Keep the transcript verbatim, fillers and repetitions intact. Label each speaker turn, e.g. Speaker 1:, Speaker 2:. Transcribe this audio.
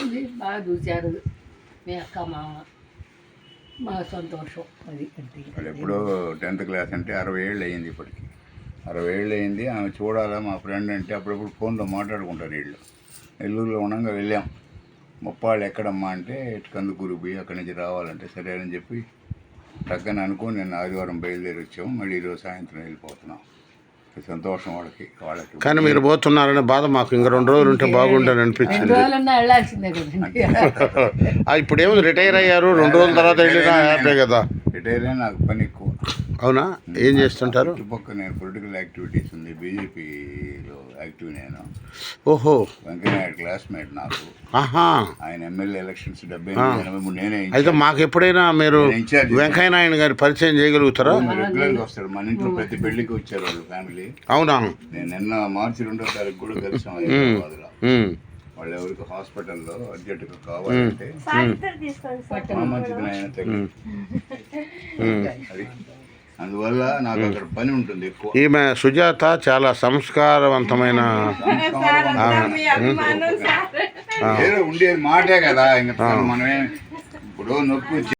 Speaker 1: బాగుంది, బాగా చూశారు మీ అక్క మామ, మా సంతోషం అది.
Speaker 2: వాళ్ళు ఎప్పుడో టెన్త్ క్లాస్ అంటే అరవై ఏళ్ళు అయ్యింది ఇప్పటికి. అరవై ఏళ్ళు అయింది. ఆమె చూడాలా మా ఫ్రెండ్ అంటే అప్పుడప్పుడు ఫోన్లో మాట్లాడుకుంటారు వీళ్ళు. నెల్లూరులో ఉండగా వెళ్ళాం. ముప్పాళ్ళు ఎక్కడమ్మా అంటే కందుకూరు పోయి అక్కడి నుంచి రావాలంటే సరే అని చెప్పి టక్కని అనుకుని నిన్న ఆదివారం బయలుదేరి వచ్చాము. మళ్ళీ ఈరోజు సాయంత్రం వెళ్ళిపోతున్నాం. సంతోషం వాళ్ళకి వాళ్ళకి
Speaker 3: కానీ మీరు పోతున్నారనే బాధ మాకు ఇంకా రెండు రోజులు ఉంటే బాగుంటుంది అనిపించింది. ఇప్పుడు ఏముంది, రిటైర్ అయ్యారు, రెండు రోజుల తర్వాత వెళ్ళినా హ్యాపీ కదా.
Speaker 2: రిటైర్ అయినా నాకు పని ఎక్కువ.
Speaker 3: అవునా, ఏం చేస్తుంటారు?
Speaker 2: చుట్టుపక్కల నేను పొలిటికల్ యాక్టివిటీస్ ఉంది, బీజేపీలో యాక్టివ్ నేను.
Speaker 3: ఓహో,
Speaker 2: వెంకయ్యనాయుడు క్లాస్మేట్ నాకు.
Speaker 3: ఆహా,
Speaker 2: ఆయన ఎమ్మెల్యే ఎలక్షన్స్ డెబ్బై ఎనభై మూడు నేనే.
Speaker 3: అయితే మాకు ఎప్పుడైనా మీరు వెంకయ్యనాయుడు గారి పరిచయం చేయగలుగుతారా?
Speaker 2: రెగ్యులర్గా వస్తారు మన ఇంట్లో, ప్రతి పెళ్లికి వచ్చారు వాళ్ళు ఫ్యామిలీ.
Speaker 3: అవునా, నేను
Speaker 2: నిన్న మార్చి రెండో తారీఖు కూడా కలిసాం హైదరాబాద్లో. వాళ్ళు ఎవరికి హాస్పిటల్లో అర్జెంటుగా కావాలంటే మంచిది ఆయన తగ్గి అది. అందువల్ల నాకు అక్కడ పని ఉంటుంది ఎక్కువ.
Speaker 3: ఈమె సుజాత చాలా సంస్కారవంతమైన
Speaker 2: ఏదో ఉండేది మాటే కదా. ఇంకా మనమే ఇప్పుడు నొప్పి